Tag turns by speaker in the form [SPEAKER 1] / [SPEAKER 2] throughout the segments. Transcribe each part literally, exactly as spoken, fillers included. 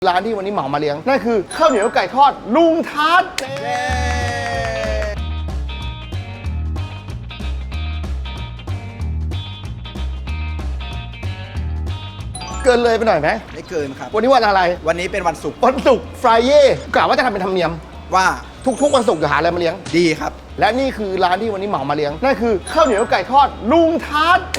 [SPEAKER 1] ร้านที่วันนี้เหมามาเลี้ยงนั่นคือข้าวเหนียวไก่ทอดลุงทัศน์เกินเลยไปหน่อยไหม
[SPEAKER 2] ไม่เกินครับ
[SPEAKER 1] วันนี้วันอะไร
[SPEAKER 2] วันนี้เป็นวันศุกร์
[SPEAKER 1] วันศุกร์ฟรายเย่กะว่าจะทำเป็นธรรมเนียม
[SPEAKER 2] ว่า
[SPEAKER 1] ทุกๆวันศุกร์จะหาอะไรมาเลี้ยง
[SPEAKER 2] ดีครับ
[SPEAKER 1] และนี่คือร้านที่วันนี้เหมามาเลี้ยงนั่นคือข้าวเหนียวไก่ทอดลุงทัศน์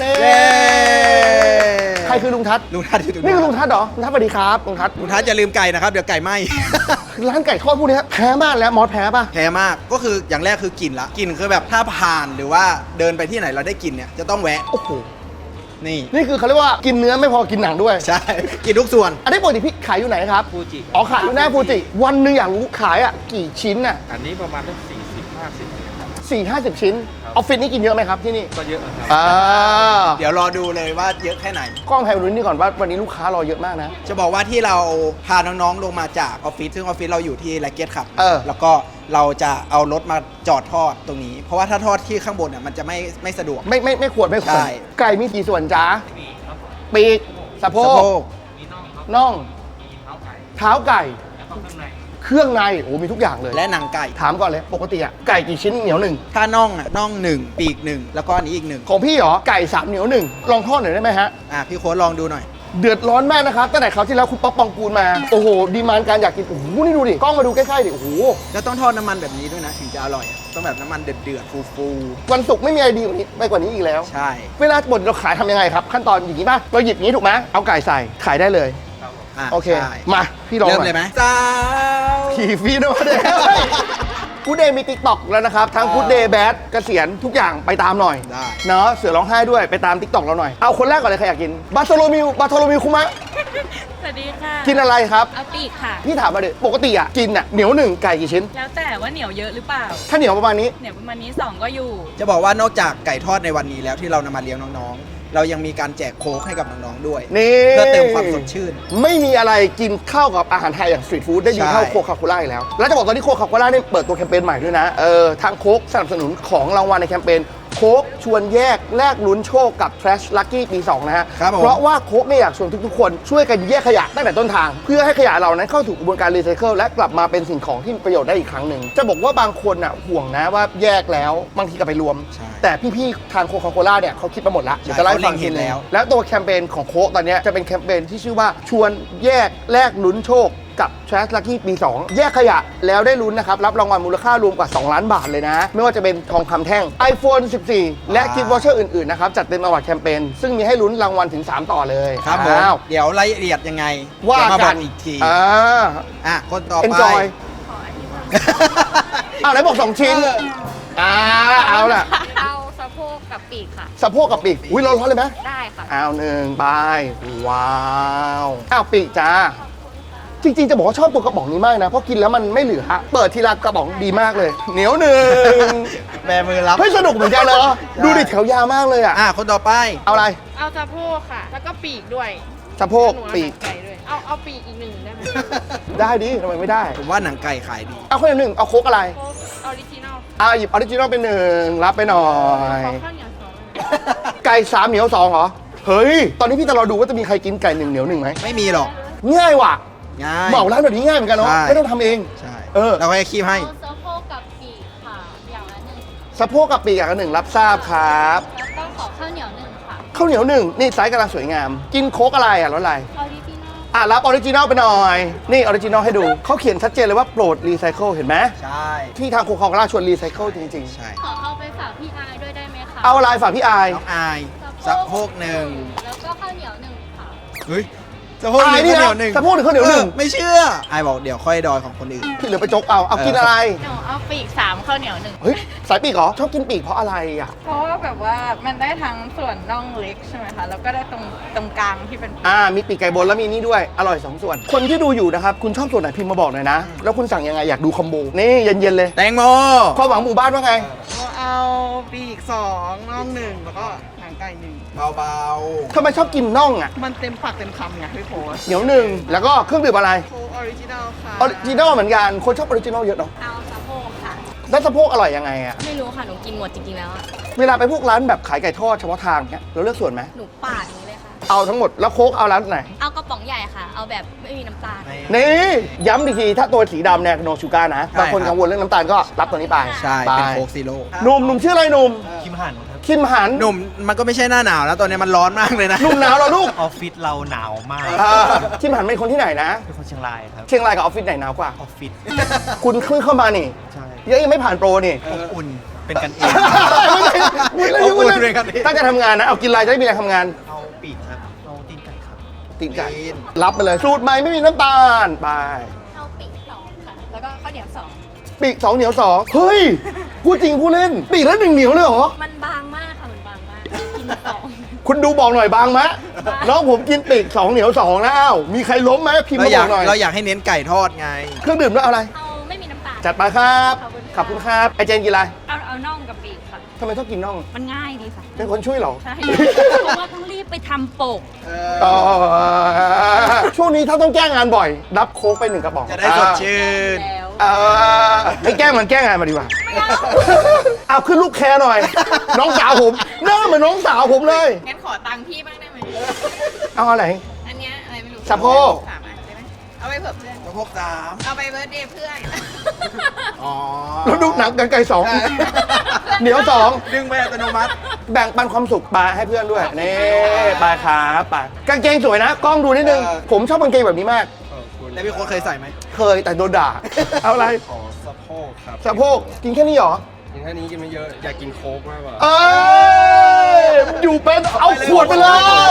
[SPEAKER 1] ใครคือลุงทัศน์
[SPEAKER 2] ลุงทัศน์
[SPEAKER 1] นี่คือลุงทัศน์เหรอลุงทัศน์สวัสดีครับลุงทัศน์
[SPEAKER 2] ลุงทัศน์อย่าลืมไก่นะครับเดี๋ยวไก่ไหม้
[SPEAKER 1] ร้านไก่ทอดพวกนี้แพ้มากแล้วมอสแพ้ป่ะ
[SPEAKER 2] แพ้มากก็คืออย่างแรกคือกลิ่นละกลิ่นคือแบบถ้าผ่านหรือว่าเดินไปที่ไหนเราได้กลิ่นเนี่ยจะต้องแวะ
[SPEAKER 1] โอ้โห
[SPEAKER 2] นี่
[SPEAKER 1] นี่คือเขาเรียกว่ากินเนื้อไม่พอกินหนังด้วย
[SPEAKER 2] ใช่กินทุกส่วน
[SPEAKER 1] อันนี้ปกติพี่ขายอยู่ไหนครับ
[SPEAKER 3] ฟูจิ
[SPEAKER 1] อ๋อขายอยู่หน้าฟูจิวันหนึ่งอยากรู้ขายอ่ะกี่ชิ้นอ่ะ
[SPEAKER 3] อันนี้ประมาณสักสี่สิบห้าสิบ
[SPEAKER 1] สี่ห้าสิบชิ้นออฟฟิศนี่กินเยอะไหมครับที่นี่
[SPEAKER 3] ก็เยอะครับ
[SPEAKER 1] อ่า
[SPEAKER 2] เดี๋ยวรอดูเลยว่าเยอะแค่ไหน
[SPEAKER 1] กล้องไฮรุ่นนี่ก่อนว่าวันนี้ลูกค้ารอเยอะมากนะ
[SPEAKER 2] จะบอกว่าที่เราพาน้องๆลงมาจากออฟฟิศซึ่งออฟฟิศเราอยู่ที่ไลเกตครับ
[SPEAKER 1] เออ
[SPEAKER 2] แล้วก็เราจะเอารถมาจอดทอดตรงนี้เพราะว่าถ้าทอดที่ข้างบนเนี่ยมันจะไม่ไม่สะดวก
[SPEAKER 1] ไม่ไม่ไม่ควรไม่ควรไก่มีกี่ส่วนจ้าปีกสะโพกน่องเท้าไก่เครื่องในโอ้มีทุกอย่างเลย
[SPEAKER 2] และหนังไก่
[SPEAKER 1] ถามก่อนเลยปกติอะไก่กี่ชิ้นเหนียวหนึ่ง
[SPEAKER 2] ถ้าน่องอะน่องหนึ่งปีกหนึ่งแล้วก็อันนี้อีกหนึ่ง
[SPEAKER 1] ของพี่เหรอไก่สามเหนียวหนึ่งลองทอดหน่อยได้ไหมฮะ
[SPEAKER 2] อ่ะพี่โค้ดลองดูหน่อย
[SPEAKER 1] เดือดร้อนมากนะครับตั้งแต่คราวที่แล้วคุณป๊อกปองกูลมาโอ้โหดีมานการอยากกินโอ้โหนี่ดูดิกล้องมาดูใกล้ๆดิโอ้โห
[SPEAKER 2] แล้วต้องทอดน้ำมันแบบนี้ด้วยนะถึงจะอร่อยต้องแบบน้ำมันเดือดเดือดฟู
[SPEAKER 1] ๆวันศุกร์ไม่มีอะไรดีกว่านี้ไปกว่านี้อีกแล้ว
[SPEAKER 2] ใช่
[SPEAKER 1] เวลาบดเราขายทำยังไงครับขั้นตอนอย่างนี้ป่ะเราหยิบนี้ถูกไหมเอาไก่ใส่ขายได้เลยโอเคมาพี่ลอง
[SPEAKER 2] เริ่มเลยไหมจ้า
[SPEAKER 1] ขี่ฟีโน่เดย์กูเดย์มีติ๊กต็อกแล้วนะครับทั้งกูเดย์แบดเกษียณทุกอย่างไปตามหน่อยเนาะเสือร้องไห้ด้วยไปตามติ๊กต็อกเราหน่อยเอาคนแรกก่อนเลยใครอยากกินบาโทโลมิวบาโทโลมิวคุมะ
[SPEAKER 4] สวัสดีค่ะ
[SPEAKER 1] กินอะไรครับ
[SPEAKER 4] เอาปีกค่ะ
[SPEAKER 1] พี่ถามมาเลยปกติอ่ะกินอ่ะเหนียวหนึ่งไก่กี่ชิ้น
[SPEAKER 4] แล้วแต่ว่าเหนียวเยอะหรือเปล่า
[SPEAKER 1] ถ้าเหนียวประมาณนี้
[SPEAKER 4] เหนียวประมาณนี้สองก็อยู่
[SPEAKER 2] จะบอกว่านอกจากไก่ทอดในวันนี้แล้วที่เรานำมาเลี้ยงน้องๆเรายังมีการแจกโค้กให้กับน้องๆด้วย
[SPEAKER 1] นี่
[SPEAKER 2] เพื่อเติมความสดชื่น
[SPEAKER 1] ไม่มีอะไรกินข้าวกับอาหารไทยอย่างสตรีทฟู้ดได้ดีเท่าโคคาโคล่าอีกแล้วแล้วจะบอกตอนนี้โคคาโคล่าเนี่ยเปิดตัวแคมเปญใหม่ด้วยนะเออทางโค้กสนับสนุนของรางวัลในแคมเปญโค้กชวนแยกแลกลุ้นโชคกับ Trash Lucky ปีสองนะฮะเพราะว่าโค้กเนี่ยอยากชวนทุกๆคนช่วยกันแยกขยะตั้งแต่ต้นทางเพื่อให้ขยะเรานั้นเข้าสู่กระบวนการรีไซเคิลและกลับมาเป็นสิ่งของที่มีประโยชน์ได้อีกครั้งหนึ่งจะบอกว่าบางคนอ่ะห่วงนะว่าแยกแล้วบางทีก็ไปรวมแต่พี่ๆทางโคคาโคล่าเนี่ยเขาคิดมาหมดแล้วเดี๋ยวจะไล่ฟังทีแล้วแล้วตัวแคมเปญของโค้กตอนนี้จะเป็นแคมเปญที่ชื่อว่าชวนแยกแลกลุ้นโชคกับ Trash Lucky ปีสองแยกขยะแล้วได้ลุ้นนะครับรับรางวัลมูลค่ารวมกว่าสองล้านบาทเลยนะไม่ว่าจะเป็นทองคำแท่ง iPhone สิบสี่ และกิฟต์วอเชอร์อื่นๆนะครับจัดเต็มอวอร์ดแคมเปญซึ่งมีให้ลุ้นรางวัลถึงสามต่อเลย
[SPEAKER 2] ครับผมเดี๋ยวรายละเอียดยังไง
[SPEAKER 1] ว่ากัน
[SPEAKER 2] อีกที
[SPEAKER 1] อ่า
[SPEAKER 2] อ่ะคนต่อไป
[SPEAKER 1] Enjoy อ้าวไหนบอกสองชิ้นอ่าเอาล่ะ
[SPEAKER 4] เอาสะโพกกับปีกค่ะ
[SPEAKER 1] สะโพกกับปีกอุ้ยร้อนๆเลยไหม
[SPEAKER 4] ได้ค่ะ
[SPEAKER 1] เอาหนึ่งใบว้าวอ้าวปีกจ้าจริงๆจะบอกว่าชอบตัวกระป๋องนี้มากนะเพราะกินแล้วมันไม่เหลือเปิดทีละกระป๋องดีมากเลยเหนียวหนึ่ง
[SPEAKER 2] แบมือรับ
[SPEAKER 1] เฮ้ยสนุกเหมือนกันเลยดูดิแถวยาวมากเลยอ่ะ
[SPEAKER 2] อ่ะคนต่อไป
[SPEAKER 1] เอาอะไร
[SPEAKER 4] เอาสะโพกค่ะแล้วก็ปีกด้วย
[SPEAKER 1] สะโพกปีก
[SPEAKER 4] ไก่ด้วยเอาเอาปีกอีกหนึ่งได้ไหม
[SPEAKER 1] ได้ดิทำไมไม่ได้
[SPEAKER 2] ผมว่าหนังไก่ขายดี
[SPEAKER 1] เอาคนหนึ่งเอาโค้กอะไร
[SPEAKER 4] โค้กออริจินอล
[SPEAKER 1] อ่าหยิบออริจินอลเป็นหนึ่งรับไปหน่อย
[SPEAKER 4] ขอข้าวเหนียวสอง
[SPEAKER 1] ไก่สามเหนียวสองเหรอเฮ้ยตอนนี้พี่จะรอดูว่าจะมีใครกินไก่หนึ่งเหนียวหนึ่งไหม
[SPEAKER 2] ไม่มีหรอก
[SPEAKER 1] ง่ายว่ะ
[SPEAKER 2] ง่าย
[SPEAKER 1] เหมาร้านแบบนี้ง่ายเหมือนกันเนาะไม่ต้องทำเอง
[SPEAKER 2] ใช่เออเราให้คีบให้
[SPEAKER 4] สะโพกกับปีกค่ะอย่างละหนึ่ง
[SPEAKER 1] สะโพกกับปีกอย่างละหนึ่งรับทราบครับ
[SPEAKER 4] แล้วก็ขอข้าวเหนียวหนึ่งค่ะ
[SPEAKER 1] ข้าวเหนียวหนึ่งนี่ไซส์กำลังสวยงามกินโค้กอะไรอ่ะรสอะไร
[SPEAKER 4] ออริจินอล
[SPEAKER 1] อ่ะรับออริจินอลไปหน่อยนี่ออริจินอลให้ดูเขาเขียนชัดเจนเลยว่าโปรดรีไซเคิลเห็นไหม
[SPEAKER 2] ใช่
[SPEAKER 1] ที่ทางโคคาโคล่าชวนรีไซเคิลจริง
[SPEAKER 2] ๆใช่
[SPEAKER 4] ขอเอาไปฝากพี่อายด้วยได้ไหมคะ
[SPEAKER 1] เอาอะไรฝากพี่อาย
[SPEAKER 2] น้องอายสะโพกหนึ่ง
[SPEAKER 4] แล้วก็ข้าวเหนียวหนึ่งค่ะ
[SPEAKER 2] เฮ้ยสะโพกหนึ่งข้าวเหนียวหนึ่ง
[SPEAKER 1] สะโพกหนึ่งข้าวเหนียวหนึ่ง
[SPEAKER 2] ไม่เชื่อไอ้บอกเดี๋ยวค่อยดอยของคนอื่น
[SPEAKER 1] พี่เหลือไปจกเอาเอากินอะไร
[SPEAKER 4] หนูเอาปีกสามข้าวเหนียวหนึ่ง
[SPEAKER 1] เฮ้ยสายปีกเหรอชอบกินปีกเพราะอะไรอ่ะ
[SPEAKER 4] เพราะว่าแบบว่ามันได้ทั้งส่วนน่องเล็กใช่ไหมคะแล้วก็ได้ตรงตรงกลางที่เป็น
[SPEAKER 1] อ่ามีปีกไก่บนแล้วมีนี่ด้วยอร่อยสองส่วนคนที่ดูอยู่นะครับคุณชอบส่วนไหนพิมพ์มาบอกหน่อยนะแล้วคุณสั่งยังไงอยากดูคอมโบนี่เย็นๆเลย
[SPEAKER 2] แตงโม
[SPEAKER 1] ความหวังหมู่บ้านว่าไง
[SPEAKER 2] เอาปีกสองน่องหนึ่งแล้วก็หางไก่หนึ่งเบา
[SPEAKER 1] ๆทำไมชอบกินน่องอ่ะ
[SPEAKER 2] มันเต็มปากเต็มคำไงพี่โพส
[SPEAKER 1] เหนียวหนึ่งแล้วก็เครื่องดื่มอะไร
[SPEAKER 2] โค้กออริจินัลค่ะ
[SPEAKER 1] ออริจินัลเหมือนกันคนชอบออริจินัลเยอะเนาะ
[SPEAKER 4] เอาสะโพกค่ะ
[SPEAKER 1] แล้วสะโพกอร่อยยังไงอ่ะ
[SPEAKER 4] ไม่รู้ค่ะหนูกินหมดจริงๆแล้ว
[SPEAKER 1] เวลาไปพวกร้านแบบขายไก่ทอดเฉพาะทางเนี้ยเราเลือกส่วนไหม
[SPEAKER 4] หนูปาดอย่างนี้เลยค่ะ
[SPEAKER 1] เอาทั้งหมดแล้วโค้กเอาร้านไหน
[SPEAKER 5] เอากระป๋องใหญ่ค่ะ เอาแบบไม่มีน้ำตาล
[SPEAKER 1] นี่ย้ำอีกทีถ้าตัวสีดำเนี่ยโนชูการ์นะ
[SPEAKER 2] ใช่
[SPEAKER 1] บางคน
[SPEAKER 2] ครับ
[SPEAKER 1] กังวลเรื่องน้ำตาลก็รับตัวนี้ไป
[SPEAKER 2] ใช่
[SPEAKER 1] ไป
[SPEAKER 2] เป็นโค้กซีโร่
[SPEAKER 1] หนุ่มหนุ่มชื่ออะไรหนุ่ม
[SPEAKER 6] คิมหันครับ
[SPEAKER 1] คิมหัน
[SPEAKER 2] หนุ่มมันก็ไม่ใช่หน้าหนาวแล้วตอนนี้มันร้อนมากเลยนะ
[SPEAKER 1] หนุ่มหนาวเหรอลูก
[SPEAKER 6] ออฟฟิศเราหนาวมาก
[SPEAKER 1] อ่าคิมหันเป็นคนที่ไหนนะ
[SPEAKER 6] เป็นคนเชียงรายครับ
[SPEAKER 1] เชียงรายกับออฟฟิศไหนหนาวกว่า
[SPEAKER 6] ออฟฟิศ
[SPEAKER 1] คุณเพิ่งเข้ามานี่
[SPEAKER 6] ใช่
[SPEAKER 1] ยังยังไม่ผ่านโปรนี่
[SPEAKER 6] อบอุ่นเป็นกันเอง
[SPEAKER 1] ไม่ใช่
[SPEAKER 2] ขอบคุณด้วยครับ
[SPEAKER 1] ตั้งใจทำงานนะเอากินอะไรจะได้มีแรงทำงาน
[SPEAKER 6] เอาปีกครับเอาตีนไก่ครับ
[SPEAKER 1] ติดใจรับไปเลยสูตรใหม่ไม่มีน้ำตาลไป
[SPEAKER 5] เอาปีกสองค่ะ แล้วก็ข้าวเหนียวสอง
[SPEAKER 1] ปีกสองเหนียวสองเฮ้ยพูดจริงพูดเล่น ปีกแล้วหนึ่งเหนียวเลยเหรอ
[SPEAKER 5] มันบางมากค่ะ มันบางมาก กินสอง
[SPEAKER 1] คุณดูบอกหน่อยบางมะน้องผมกินปีกสองเหนียวสองนะอ้าวมีใครล้มไหมพิมพ์
[SPEAKER 2] เรา
[SPEAKER 1] มา
[SPEAKER 2] อบ ยา
[SPEAKER 1] อก กหน่อย
[SPEAKER 2] เราอยากให้เน้นไก่ทอดไง
[SPEAKER 1] เครื่องดื่มด้วยเอาอะไร
[SPEAKER 5] เอาไม่มีน้ำตาล
[SPEAKER 1] จัดไปครับ
[SPEAKER 5] ขอบคุณ
[SPEAKER 1] ขอบคุณครับไอเจนกินอะไร
[SPEAKER 4] เอาเอาน่องกับปีกค่ะ
[SPEAKER 1] ทำไมต้องกินน่อง
[SPEAKER 4] มันง่ายดีค่ะ
[SPEAKER 1] เป็นคนช่วยเหรอ
[SPEAKER 4] ใช่ เพราะว่าต้องรีบไปทำปก
[SPEAKER 1] อ๋อช่วงนี้ถ้าต้องแก้งานบ่อย รับโค้กไปหนึ่งกระป๋อง
[SPEAKER 2] จะได้สดชื่น
[SPEAKER 4] แล้ว
[SPEAKER 1] เออให้แกล้งมันแกล้งงานมาดีกว่า เอาขึ้นลูกแคร์หน่อย น้องสาวผมหน้าเหมือนน้องสาวผมเลย
[SPEAKER 4] งั้นขอตังค์พี่บ้างได้ไหม
[SPEAKER 1] เอาอะไร
[SPEAKER 4] อันเนี้ยอะไรไม่รู้
[SPEAKER 1] สะโพก
[SPEAKER 4] สามอันได้ไหมเอาไปเผื่อเพื่อน
[SPEAKER 2] กระพกสาม
[SPEAKER 4] เอาไปเบิร์ดเดย์เพื่อน
[SPEAKER 2] อ๋อ
[SPEAKER 1] แล้วดูหนังกันไก่สอง
[SPEAKER 2] ใช่
[SPEAKER 1] เหนียวสอง
[SPEAKER 2] ดึงไปอัตโนมัติ
[SPEAKER 1] แบ่งปันความสุขไปให้เพื่อนด้วย นี่ไปครับไปกางเกงสวยนะ กล้องดูนิดนึง
[SPEAKER 2] เออ
[SPEAKER 1] ผมชอบกางเกงแบบนี้มาก
[SPEAKER 2] แล้วพี่โค้ดเคยใส่ไหม
[SPEAKER 1] เคยแต่โดนด่า เอาอะไร
[SPEAKER 3] ขอสะโพกครับ
[SPEAKER 1] สะโพกกินแค่นี้เหรอ
[SPEAKER 3] กินแค่นี้กินไม่เยอะ อยากกินโค้กมากกว่า
[SPEAKER 1] เอ้ยอยู่เป็นเอาขวดไปเลย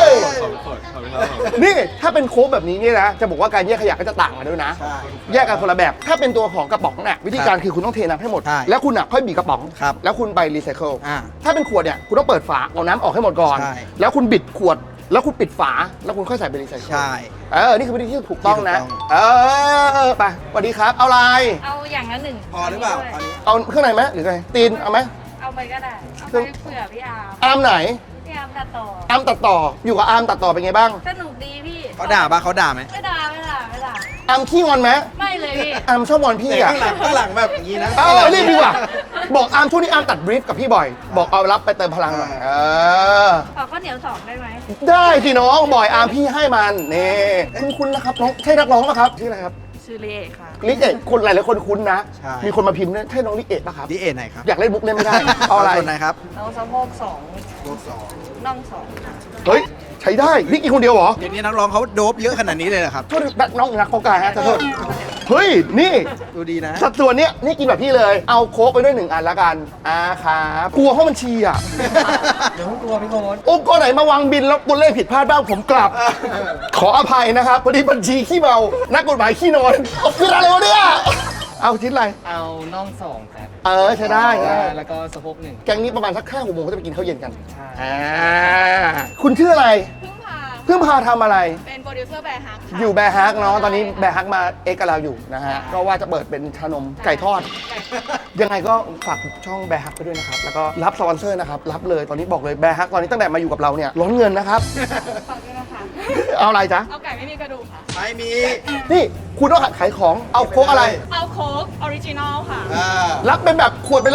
[SPEAKER 3] สองขวดขอบคุณครับผม
[SPEAKER 1] นี่ถ้าเป็นโค้กแบบนี้เนี่ยนะ จะบอกว่าการแยกขยะก็จะต่างกันด้วยนะ
[SPEAKER 2] ใช่
[SPEAKER 1] แยกกันคนละแบบ ถ้าเป็นตัวของกระป๋องเนี่ยวิธีการคือคุณต้องเทน้ำให้หมด
[SPEAKER 2] ใช่
[SPEAKER 1] แล้วคุณอ่ะค่อยบีบกระป๋อง
[SPEAKER 2] ครับ
[SPEAKER 1] แล้วคุณไปรีไซเคิล
[SPEAKER 2] อ่า
[SPEAKER 1] ถ้าเป็นขวดเนี่ยคุณต้องเปิดฝาเอาน้ำออกให้หมดก่อน
[SPEAKER 2] ใช่
[SPEAKER 1] แล้วคุณบิดขวด แล้วคุณปิดฝา แล้วคุณค่อยใส่ไปรีไซเคิล
[SPEAKER 2] ใช่
[SPEAKER 1] เออ นี่คือวิธีที่ถูกต้องนะ
[SPEAKER 2] ที่ถูกต้อง
[SPEAKER 1] เออ ไปสวัสดีครับ เอาอะไร
[SPEAKER 4] เอาอย่างละหนึ่ง
[SPEAKER 2] พอหรือเปล่าอันนี้
[SPEAKER 1] เอาเครื่องในไหมหรือไง ตีน เอาไหม
[SPEAKER 4] เอาไปก็ได้ เอาไปเผื่อพี่อาร์ม
[SPEAKER 1] อาร์มไหน
[SPEAKER 4] พี่อาร์มตัดต่อ
[SPEAKER 1] อาร์มตัดต่อ อยู่กับอาร์มตัดต่อเป็นไงบ้าง
[SPEAKER 4] สนุกดีพี่
[SPEAKER 2] เขาด่าปะเขาด่าไหม
[SPEAKER 4] ไม่ด่าไม่ด่าไม่ด่า
[SPEAKER 1] อาร์มขี้งอนไหม
[SPEAKER 4] ไม่เลยพี่
[SPEAKER 1] อาร์มชอบงอนพี่
[SPEAKER 2] แต่
[SPEAKER 1] อ่ะ
[SPEAKER 2] ข้างหลังข้างหลังแบบอย่างนี้นะ
[SPEAKER 1] เออรีบดีกว่า บอกอาร์มช่วงนี้อาร์มตัดบรีฟกับพี่บ่อย บอกเอารับไปเติมพลังหน่อย เออ
[SPEAKER 4] ขอข้าวเหนียวสองได้ไหม
[SPEAKER 1] ได้สิน้องบ่อยอาร์มพี่ให้มันนี่คุณคุณนะครับน้องใช่นักร้องปะครับชื่ออะไรครับ
[SPEAKER 4] ชื่อเลค่ะ
[SPEAKER 1] ลิเอะคนหลายๆคนคุ้นนะ
[SPEAKER 2] ใช่
[SPEAKER 1] มีคนมาพิมพ์เนี่ยใช่น้องลิเอะปะครับ
[SPEAKER 2] ดีเอ็นไหนครับ
[SPEAKER 1] อยากเล่นมุกเล่นไม่ได้ เอาอะไร
[SPEAKER 2] ส่วนไหนครับ
[SPEAKER 4] เอาสะโพกสอง
[SPEAKER 2] โลกสอง
[SPEAKER 4] น่องสอง
[SPEAKER 1] เฮ้ย ใช้ได้นี่กินคนเดียวเหรอ
[SPEAKER 2] เดี๋ยวนี้นักร้องเขาโดบเยอะขนาดนี้เลยเหรอครับ
[SPEAKER 1] โทษแบบน้องนักโกกายฮะขอโทษเฮ้ย นี่
[SPEAKER 2] ดูดีนะ
[SPEAKER 1] สัดส่วนเนี้ยนี่กินแบบพี่เลย เอาโค้กไปด้วยหนึ่งอันละกันอ่าครับกลัวห้องบัญชีอ่ะ
[SPEAKER 6] เดี๋ยวกลัวพี่โค้ด
[SPEAKER 1] องค์กรไหนมาวางบินแล้วตัวเลขผิดพลาดบ้างผมกลับ ขออภัยนะครับพอดีบัญชีขี้เมา นักกฎหมายขี้นอนเอาคืออะไรวะเนี่ย เอาชิ้นอะไร
[SPEAKER 6] เอาน่องสองครับ
[SPEAKER 1] เออใช้ได้ใช่ได้
[SPEAKER 6] แล้วก็สะโพกหนึ่ง
[SPEAKER 1] แกงนี้ประมาณสักห้าหกโมงก็จะไปกินข้าวเย็นกัน
[SPEAKER 6] ใช่
[SPEAKER 1] อ่าคุณชื่ออะไร
[SPEAKER 4] พึ่งพา
[SPEAKER 1] เพิ่งพาทำอะไร
[SPEAKER 4] เป็นโปรดิวเซอร์แบร์ฮักค่ะ
[SPEAKER 1] อยู่แบร์ฮักเนาะ ตอนนี้แบร์ฮักมาเอ็กกับเราอยู่นะฮะ ก็ว่าจะเปิดเป็นชานมไก่ทอด ยังไงก็ฝากช่องแบร์ฮักไปด้วยนะครับ แล้วก็รับสปอนเซอร์นะครับ รับเลย ตอนนี้บอกเลยแบร์ฮักตอนนี้ตั้งแต่มาอยู่กับเราเนี่ยล้นเงินนะครับ
[SPEAKER 4] ฝากด้วยนะคะ
[SPEAKER 1] เอาอะไรจ๊ะ
[SPEAKER 4] เอาไก่ไม่มีกระดูกค่ะ
[SPEAKER 2] ไม่มี
[SPEAKER 1] นี่คุณต้องขายของ เอาโค้กอะไร
[SPEAKER 4] เอาโค้กออริจินอลค่ะ
[SPEAKER 2] อ่า
[SPEAKER 1] รับเป็นแบบขวดไปเลย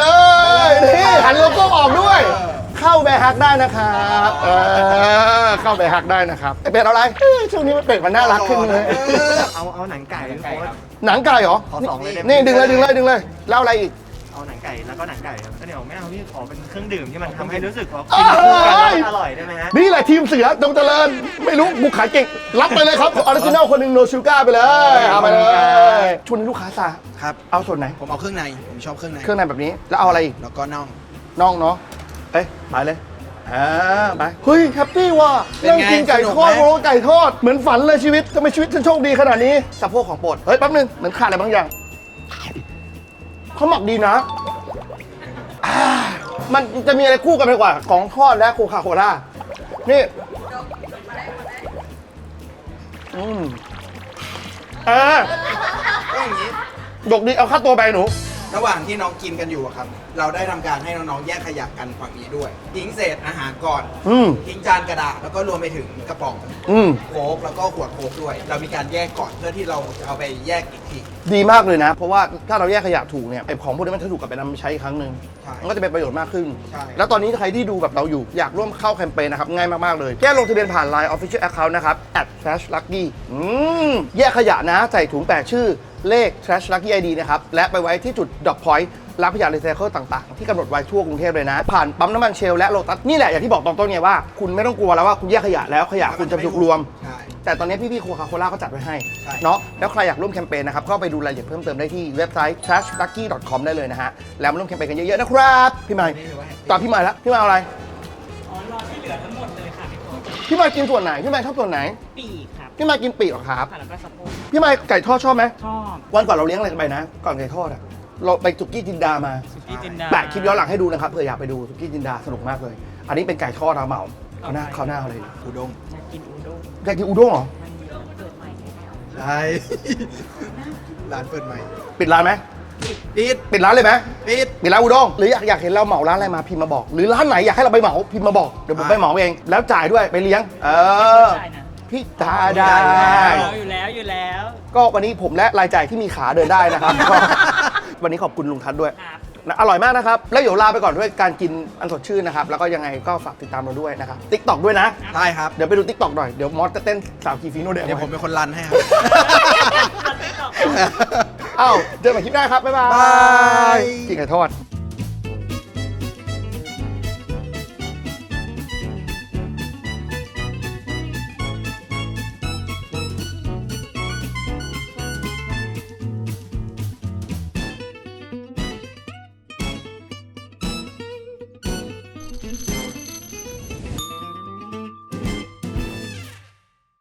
[SPEAKER 1] นี่หันโลโก้ออกด้วย เข้าแบร์ฮักได้นะครับเออเข้าแบร์ฮักได้นะครับไอเป็ดเอาอะไรเอ้ยช่วงนี้มันเป็ดมันน่ารักขึ้นเลย
[SPEAKER 6] เอาเอาหนังไก่พี่โค้ด
[SPEAKER 1] หนังไก่เหรอ
[SPEAKER 6] ขอสองเลยได้ไหม
[SPEAKER 1] นี่ดึงเลยดึงเลยดึงเลยแล้วอะไรอีก
[SPEAKER 6] เอาหนังไก่แล้วก็หนังไก่ครับก็เดี๋ยวไม่เอาพี่ขอเป็นเครื่องดื่มที่มันทำให้รู้สึกว่า
[SPEAKER 1] เอ้
[SPEAKER 6] กิ
[SPEAKER 1] ย
[SPEAKER 6] นคู่กันแล้วอร่อยได้ไหมฮะ
[SPEAKER 1] นี่แหละทีมเสือจงเจริญ ไม่รู้บุกขายเก่ง รับไปเลยครับออริจินัลคนหนึ่งโนชูก้าไปเลย เอาไปเลยชวนลูกค้าซะ
[SPEAKER 2] ครับ
[SPEAKER 1] เอาส่วนไหน
[SPEAKER 2] ผมเอาเครื่องใน ผมชอบเครื่องใน
[SPEAKER 1] เครื่องในแบบนี้แล้วเอาอะไรอีก
[SPEAKER 2] แล้วก็น่อง
[SPEAKER 1] น่องเนาะเอ้ยไปเลยอ่าไปเฮ้ยแฮปปี้ว่ะ
[SPEAKER 2] เป็น
[SPEAKER 1] นั่ง
[SPEAKER 2] ไง
[SPEAKER 1] กินไก่
[SPEAKER 2] สนุก
[SPEAKER 1] ทอด
[SPEAKER 2] ไหม
[SPEAKER 1] โรไก่ทอดเหมือนฝันเลยชีวิตทำไมชีวิตฉันโชคดีขนาดนี้สะโพกของโปรดเฮ้ยแป๊บนึงเหมือนขาดอะไรบางอย่างเขาหมักดีนะอ่ามันจะมีอะไรคู่กันไปกว่าของทอดและโคคาโคล่านี่อืมเออ
[SPEAKER 2] ก็อย่างนี้
[SPEAKER 1] ดกดีเอาค่าตัวไปหนู
[SPEAKER 2] ระหว่างที่น้องกินกันอยู่อะครับ เราได้ทำการให้น้องๆแยกขยะกันฝั่งนี้ด้วย ทิ้งเศษอาหารก่อน
[SPEAKER 1] อืม
[SPEAKER 2] ทิ้งจานกระดาษแล้วก็รวมไปถึงกระป๋อง
[SPEAKER 1] อืม
[SPEAKER 2] โค้กแล้วก็ขวดโค้กด้วย เรามีการแยกก่อนเพื่อที่เราจะเอาไปแยกอีกที
[SPEAKER 1] ดีมากเลยนะ เพราะว่าถ้าเราแยกขยะถูกเนี่ยไอ้ของพวกนี้มันจะถูกกลับไปนำไปใช้อีกครั้งหนึ่ง
[SPEAKER 2] ใช่
[SPEAKER 1] มันก็จะเป็นประโยชน์มากขึ้น
[SPEAKER 2] ใช่
[SPEAKER 1] แล้วตอนนี้ใครที่ดูแบบเราอยู่อยากร่วมเข้าแคมเปญนะครับ ง่ายมาก ๆ เลย แค่ลงทะเบียนผ่าน ไลน์ Official Account นะครับ แอท trash lucky อืมแยกขยะนะ ใส่ถุงแปะชื่อเลข trash lucky ไอ ดี นะครับ และไปไว้ที่จุด drop point รับขยะรีไซเคิลต่างๆ ที่กำหนดไว้ทั่วกรุงเทพเลยนะ ผ่านปั๊มน้ำมันเชลและโลตัสนี่แหละอย่างที่บอกตอนต้นไงว่าคุณไม่ต้องกลัวแล้วว่าคุณแยกขยะแล้วขยะคุณจะถูกรวม
[SPEAKER 2] ใช่
[SPEAKER 1] แต่ตอนนี้พี่ๆโคคาโคล่าเขาจัดไว้ให้
[SPEAKER 2] ใช่
[SPEAKER 1] เนาะแล้วใครอยากร่วมแคมเปญนะครับก็ไปดูรายละเอียดเพิ่มเติมได้ที่เว็บไซต์ trash lucky dot com ได้เลยนะฮะ แล้วมาร่วมแคมเปญกันเยอะๆนะครับพี่ใหม่ตอบพี่ใหม่แล้วพี่ใหม่เอาอะไร
[SPEAKER 7] อ๋อ รอที่เหลือทั้งหมดเลยค่ะพี่โค้ช
[SPEAKER 1] พี่ใหม่กินส่วนไหนพี่ใหม่ชอบส่วนไหน
[SPEAKER 7] ปีกครับ
[SPEAKER 1] พี่ใหม่กินปีกเหรอครับ
[SPEAKER 7] ค่ะแล้วก็สะโพก
[SPEAKER 1] พี่ใหม่ไก่ทอดชอบไหม
[SPEAKER 7] ชอบ
[SPEAKER 1] วันก่อนเราเลี้ยงอะไรกันไปนะ ก่อนไก่ทอดอะเราไปสุกี้จินดามา
[SPEAKER 7] สุกี้จินดา
[SPEAKER 1] แปะคลิปย้อนหลังให้ดูนะครับเผื่ออยากไปดูสุกี้จินดาสนุกมากเลย อันนี้เป็นไก่ทอดเราเหมาเขาหน้าเขาหน้าเขาเลย
[SPEAKER 2] อุด้ง
[SPEAKER 7] จะกินอูด้ง
[SPEAKER 1] อยากกินอุด้งเหรอ
[SPEAKER 7] มันมีร้านเปิดใหม่ในแถว
[SPEAKER 2] ใช่ ร้านเปิดใหม่
[SPEAKER 1] ปิดร้านไหม
[SPEAKER 2] ปิด
[SPEAKER 1] ปิดร้านเลยไหม
[SPEAKER 2] ปิด
[SPEAKER 1] มีร้านอุด้งหรืออยากอยากเห็นเราเหมาร้านอะไรมาพิมพ์มาบอก หรือร้านไหนอยากให้เราไปเหมาพิมพ์มาบอกเดี๋ยวผมไปเหมาเองแล้วจ่ายด้วยไปเลี้ยง เออ
[SPEAKER 7] ใช่นะ
[SPEAKER 1] พี่ตาได้
[SPEAKER 7] อยู่แล้วอยู่แล้ว
[SPEAKER 1] ก็วันนี้ผมและรายจ่ายที่มีขาเดินได้นะครับ ก็วันนี้ขอบคุณลุงทัศน์ด้วย
[SPEAKER 7] ครับ
[SPEAKER 1] นะอร่อยมากนะครับ แล้วเดี๋ยวลาไปก่อนด้วยการกินอันสดชื่นนะครับ แล้วก็ยังไงก็ฝากติดตามเราด้วยนะครับติ๊กต็อกด้วยนะ
[SPEAKER 2] ใช่ครับ
[SPEAKER 1] เดี๋ยวไปดูติ๊กต็อกหน่อยเดี๋ยวมอสจะเต้นสาวกีฟีโน่เด
[SPEAKER 2] เดี๋ยวผมเป็นคนรันให้ครับ
[SPEAKER 1] อ้าวเจอกันใหม่คลิปหน้าครับบ๊ายบาย
[SPEAKER 2] บาย
[SPEAKER 1] กินไก่ทอด